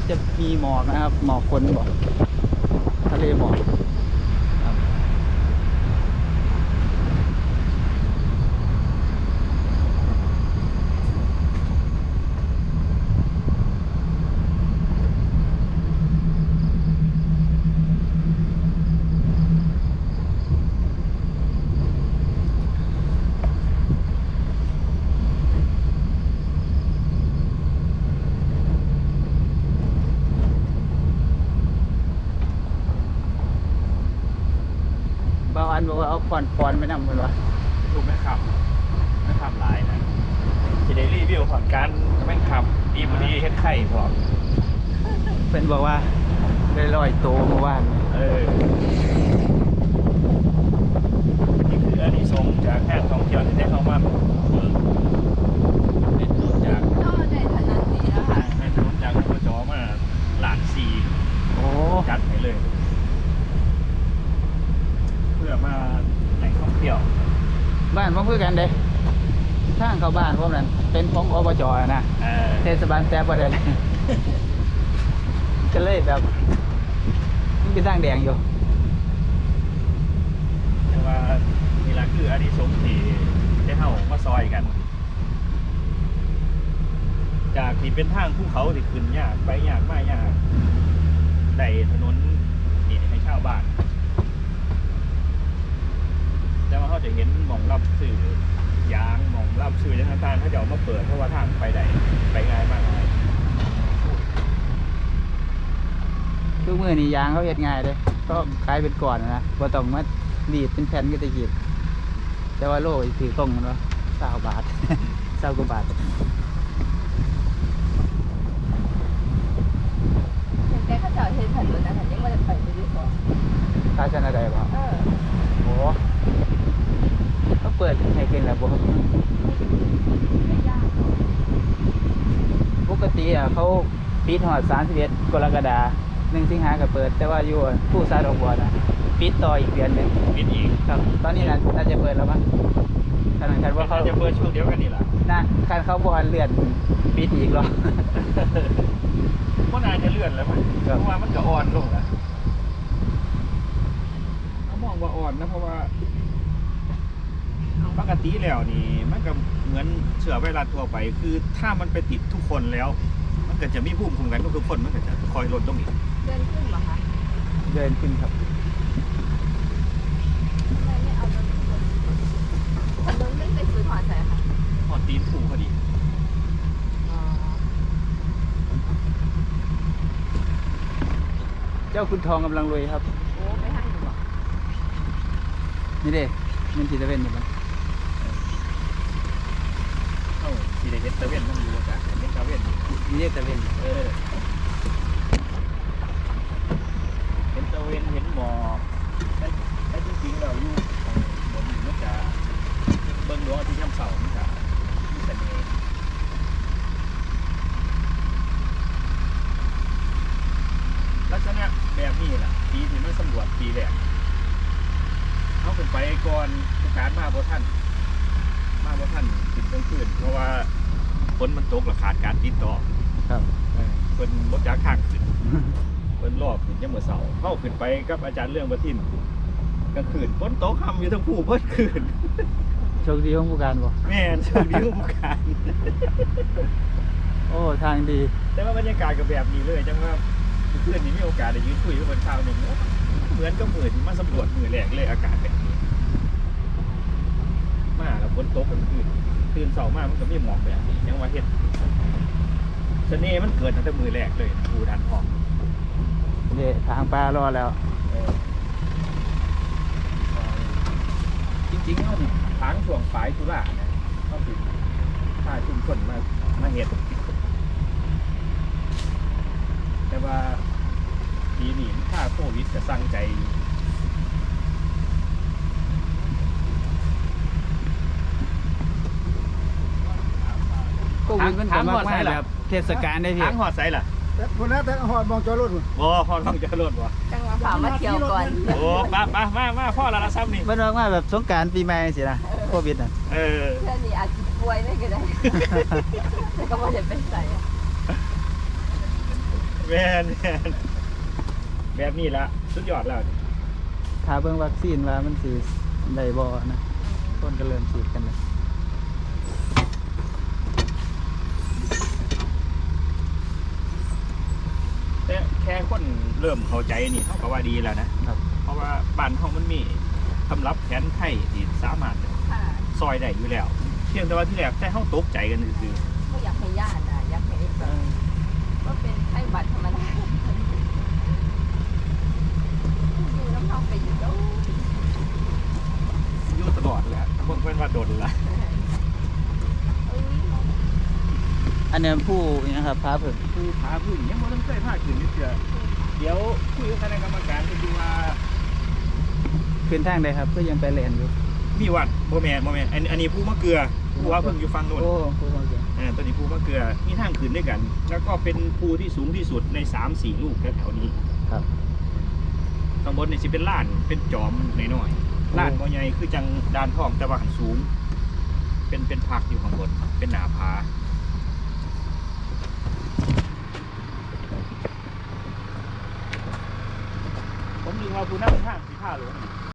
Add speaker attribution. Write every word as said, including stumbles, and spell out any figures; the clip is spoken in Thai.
Speaker 1: จะมีหมอกนะครับหมอกคนบอกทะเลหมอกบางอันบอกว่าเอาฟอนฟอนไม่นำเลยวะ
Speaker 2: ถูกไหมครับไม่ทำลายนะจะได้รีวิวผ่อนการแม่งขับดีบุดีเฮ็ดไข่พร้อม
Speaker 1: เป็นบอกว่าได้ลอยโตเมื่อวาน
Speaker 2: เออนี่คืออันนี้ส่งจากแพทย์ท่องเที่ยวที่ได้เข้ามาเป็นต้นจาก
Speaker 3: ก็ในฐานะนี้นะคะ
Speaker 2: เป็นต้นจากอบจมาหลานซี
Speaker 1: โอ้
Speaker 2: จัดให้เลยเพื่อมาแหล่งท่องเที่ยว
Speaker 1: บ้านพวกเพื่อกันเด้ทางเข้าบ้านพวกนั้นเป็นของอบจนะเทศบาลแซ่บประเด็นก็เลยแบบมันเป็นทางแดงอยู่
Speaker 2: แต่ว่านี่แหละคืออานิสงส์ที่ได้เข้ามาซอยกันจากที่เป็นทางภูเขาที่ขึ้นยากไปยากมากยากได้ถนนนี่ให้ชาวบ้านแต่ว่าเขาจะเห็นหม่องรับสื่อยางหม่องรับสื่อยังต่างๆเขาจะเอามาเปิดเพราะว่าทางไปได้ไปง่ายมากเลย
Speaker 1: ทุกมือนี่ยางเขาเห็ดง่ายเลยก็ขายเป็นก่อนนะพอต้องมาดีดเป็นแผ่นก็จะหยิบแต่ว่าโลถือตรงมันว่าเศร้าบาทเศร้ากว่าบาท
Speaker 3: แต่ข้าเจ้าเห็นถนนนะฉันยังไม่ได้ไปไม่ได้สอน
Speaker 1: ค่าชนะใดบ้าง
Speaker 3: เออ
Speaker 1: โอ้เขาเปิดให้ขึ้นแล้วบ่
Speaker 3: ไม่ยาก
Speaker 1: ปกติอ่ะเขาปิดหอดสามสิบเอ็ดกรกฎาคมหนึ่งสิงหาก็เปิดแต่ว่าอยู่ผู้ซาดอกบัวนะปิดต่ออีกเดือนหนึ่ง
Speaker 2: ปิดอีก
Speaker 1: ครับตอนนี้น่าน่าจะเปิดแล้วมั้งขนาดคันว่าเขา
Speaker 2: จะเปิดช่วงเดียวกันนี่แหละ
Speaker 1: นะคันเขาบอลเลื่อนปิดอีกหรอ
Speaker 2: ก็น่าจะเลื่อนแล้วมั้งเพราะว่ามันก็อ่อนลงแล้วเขามองว่าอ่อนนะเพราะว่าปกติแล้วนี่มันก็เหมือนเชื้อไวรัสทั่วไปคือถ้ามันไปติดทุกคนแล้วมันก็จะมีภูมิคุ้มกันทุกคนมันก็จะคอยลดลงอีก
Speaker 3: เดินขึ้นเหรอคะ
Speaker 1: เดินขึ้นครับ
Speaker 3: ไม่ไม่เอาถนนถนนไม่ไปซื้อถอนใส่ค่ะ
Speaker 2: ถอนตีนผูพอดี
Speaker 1: เจ้าคุณทองกำลังรวยครับ
Speaker 3: โอ้ไม่ให้หนูหรอ
Speaker 1: นี่เด้มันสีตะเวนอยู่มั้ง
Speaker 2: เอ้าสีเด็ดตะเวนมันอยู่จ้ะเป็นตะเวน
Speaker 1: นี่เด็ดตะเวน
Speaker 2: เออเห็นตะเวนเห็นหมอกแต่แต่จริงๆเราอยู่บนมันจะเบิ้งดวงอาทิตย์ยามเสาร์มันจะมีเสน่ห์ลักษณะแบบนี้แหละปีที่มันสำรวจปีแรกเขาขึ้นไปก่อนผู้การมาบ่ท่านมาบ่ท่านขึ้นกลางคืนเพราะว่าฝนมันตกและขาดการติดต่อ
Speaker 1: ครับ
Speaker 2: เป็นรถจักรข้างขึ้นเป็นรอบขึ้นยังเมื่อเสาร์เข้าขึ้นไปกับอาจารย์เรื่องประทินกลางคืนฝนตกค่ำอยู่ทั้งผู้เพิ่นคืน
Speaker 1: โชคดีของผู้การบ่
Speaker 2: แม่โชคดีของผู้การ
Speaker 1: โอ้ทางดี
Speaker 2: แต่ว่าบรรยากาศก็แบบนี้เลยจังว่าเพื่อนนี้มีโอกาสได้ยืนคุยกับคนชาวหนึ่งเหมือนกับมือที่มาสำรวจมือแรกเลยอากาศแบบนี้มาแล้วฝนตกกลางคืนตื่นเสาร์มามันก็มีหมอกแบบนี้ยังว่าเห็นเสน่ห์มันเกิดตั้งแต่มือแรกเลยภูดันทอง
Speaker 1: เดี๋ยวทางปลารอแล้ว
Speaker 2: จริงๆเขาทางช่วงฝายตุลาเนี่ยเขาติดถ้าชุมชนมามาเห็นแต่ว่าปีนี้ถ้าโควิดจะสร้างใจ
Speaker 1: โควิดมันทำมากแบบเทศกาลได้พี่
Speaker 2: ทางหอดไซล่ะ
Speaker 4: คนนั้นแต่หอดมองจอรถ
Speaker 2: โอ้หอดมองจอรถวะ
Speaker 3: จังหวะฝ่ามาเที่ยวก่อน
Speaker 2: โอ้มามามามาพ่อละละซ้ำนี่
Speaker 1: มันว่าแบบสงกรานต์ปีใหม่สินะโควิดน่ะ
Speaker 2: เออ
Speaker 3: เพื่อนนี่อาจจะป่วยไม่ก็ได้แต่ก็ไม่ได้เป็นไร
Speaker 2: เวแม่นแม่นแบบนี้ละสุดยอดแล้ว
Speaker 1: ถ้าเบิ่งวัคซีนว่ามันสิได้บ่นะคนก็เริ่มฉีดกันแล้ว
Speaker 2: แต่แค่คนเริ่มเข้าใจนี่เท่ากับว่าดีแล้วนะครับ เพราะว่าบ้านเฮามันมีสำหรับแผนไทยที่สามารถ
Speaker 3: ค่ะ
Speaker 2: ซอยได้อยู่แล้ว เพียงแต่ว่าที่แรกแค่เฮาตกใจกันซื่อ
Speaker 3: ก็อยากให้ญาตินะอยากให้แบบก็เป็นไข้หวัดธรรมดาอยู่น้ำท้องไปอยู่แล้ว
Speaker 2: ๆอยู่ตลอดแหละบ่เป็นว่าโดนละ
Speaker 3: เอ้ย
Speaker 1: อันนี้ผู้นี่นะครับพาเพิ่น
Speaker 2: ผู้พาพื้นยังบ่ทันเคยพาขึ้นนี่เทื่อเดี๋ยวคุยกับคณะกรรมการไปดูว่า
Speaker 1: ขึ้นทางใดครับก็ยังไปแล่นอยู่
Speaker 2: มีวัดบ่แม่นบ่แม่นอันอันนี้ผู้มะเกลือผู้ว่าเพิ่งอยู่ฝั่งโน้น
Speaker 1: โอ้ผู้ว่าเก่ง
Speaker 2: อ่าตัวนี้ภูมะเกลือมีทางขึ้นด้วยกัน แล้วก็เป็นภูที่สูงที่สุดใน สามสี่ ลูกแถวๆนี้
Speaker 1: ครับ
Speaker 2: ข้างบนนี่สิเป็นล้าน เป็นจอมน้อยๆล้านบ่ใหญ่คือจังดานทองแต่ว่าหันสูง เป็นเป็นพักอยู่ข้างบน เป็นหนาผา ผมดึงมาภูนั่งข้างสีผ้าหลวง